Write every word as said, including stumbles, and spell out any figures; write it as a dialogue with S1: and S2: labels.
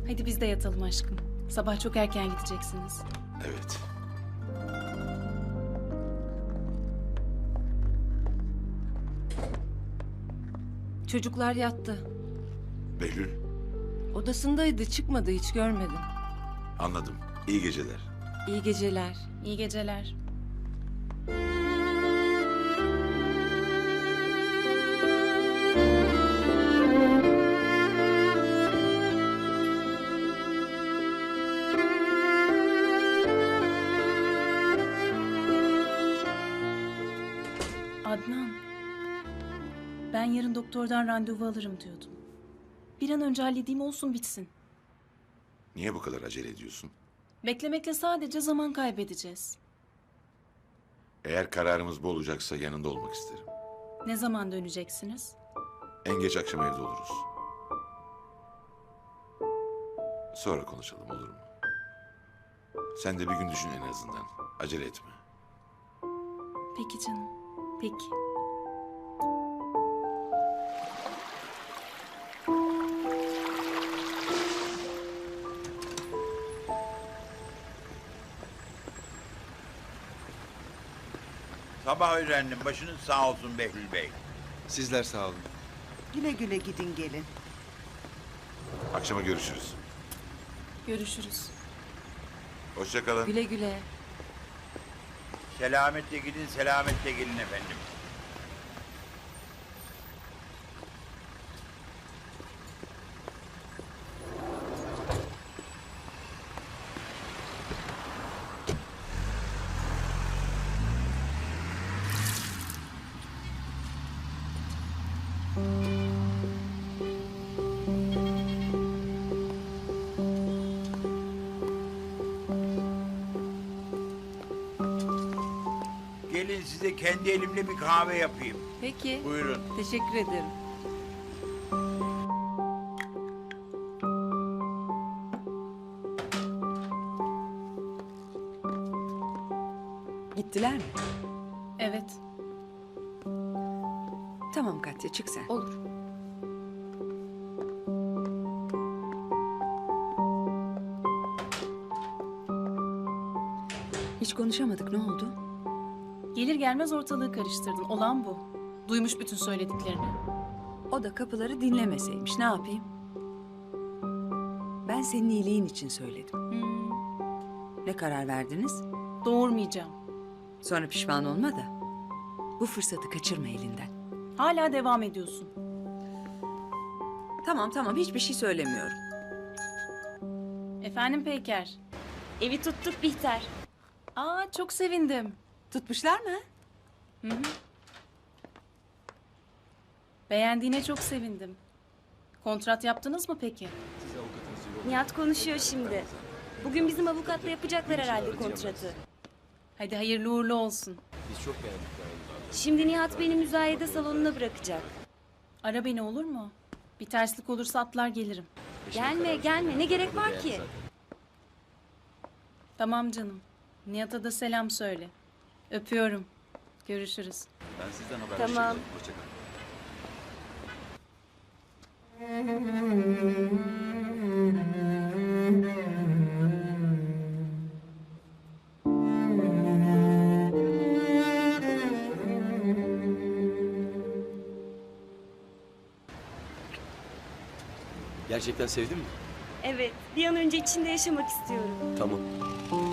S1: Hadi biz de yatalım aşkım. Sabah çok erken gideceksiniz.
S2: Evet.
S3: Çocuklar yattı.
S2: Behlül,
S3: Odasındaydı, çıkmadı, hiç görmedim.
S2: anladım. İyi geceler.
S3: İyi geceler.
S1: İyi geceler. Adnan. Ben yarın doktordan randevu alırım diyordum. Bir an önce halledeyim olsun bitsin.
S2: Niye bu kadar acele ediyorsun?
S1: Beklemekle sadece zaman kaybedeceğiz.
S2: Eğer kararımız bu olacaksa yanında olmak isterim.
S1: Ne zaman döneceksiniz?
S2: En geç akşam evde oluruz. Sonra konuşalım, olur mu? Sen de bir gün düşün en azından. Acele etme.
S1: Peki canım. Peki.
S4: Sabah öğrendim. Başınız sağ olsun Behlül Bey.
S5: Sizler sağ olun.
S6: Güle güle gidin gelin.
S2: Akşama görüşürüz.
S1: Görüşürüz.
S2: Hoşça kalın.
S3: Güle güle.
S4: Selametle gidin, selametle gelin efendim. Gelin size kendi elimle bir kahve yapayım.
S3: Peki.
S4: Buyurun.
S3: Teşekkür ederim.
S6: Gittiler mi?
S1: Evet.
S6: Tamam Katya, çık sen.
S3: Olur.
S6: Hiç konuşamadık, ne oldu?
S1: Gelir gelmez ortalığı karıştırdın. Olan bu. Duymuş bütün söylediklerini.
S6: O da kapıları dinlemeseymiş, ne yapayım? Ben senin iyiliğin için söyledim.
S1: Hmm,
S6: Ne karar verdiniz?
S1: doğurmayacağım.
S6: Sonra pişman olma da. Bu fırsatı kaçırma elinden.
S1: Hala devam ediyorsun.
S6: Tamam tamam, hiçbir şey söylemiyorum.
S1: Efendim Peyker.
S7: Evi tuttuk Bihter.
S1: Aa çok sevindim.
S6: Tutmuşlar mı?
S1: Hı hı. Beğendiğine çok sevindim. Kontrat yaptınız mı peki?
S7: Nihat konuşuyor şimdi. Bugün bizim avukatla yapacaklar herhalde kontratı.
S1: Hadi hayırlı uğurlu olsun.
S7: Şimdi Nihat beni müzayede salonuna bırakacak.
S1: Ara beni olur mu? Bir terslik olursa atlar gelirim.
S7: Gelme gelme ne gerek var ki?
S1: Tamam canım. Nihat'a da selam söyle. Öpüyorum. Görüşürüz.
S5: Ben sizden haberleşeceğim.
S7: Tamam.
S5: Hoşçakalın.
S8: Gerçekten sevdin mi?
S7: Evet bir an önce içinde yaşamak istiyorum.
S8: Tamam.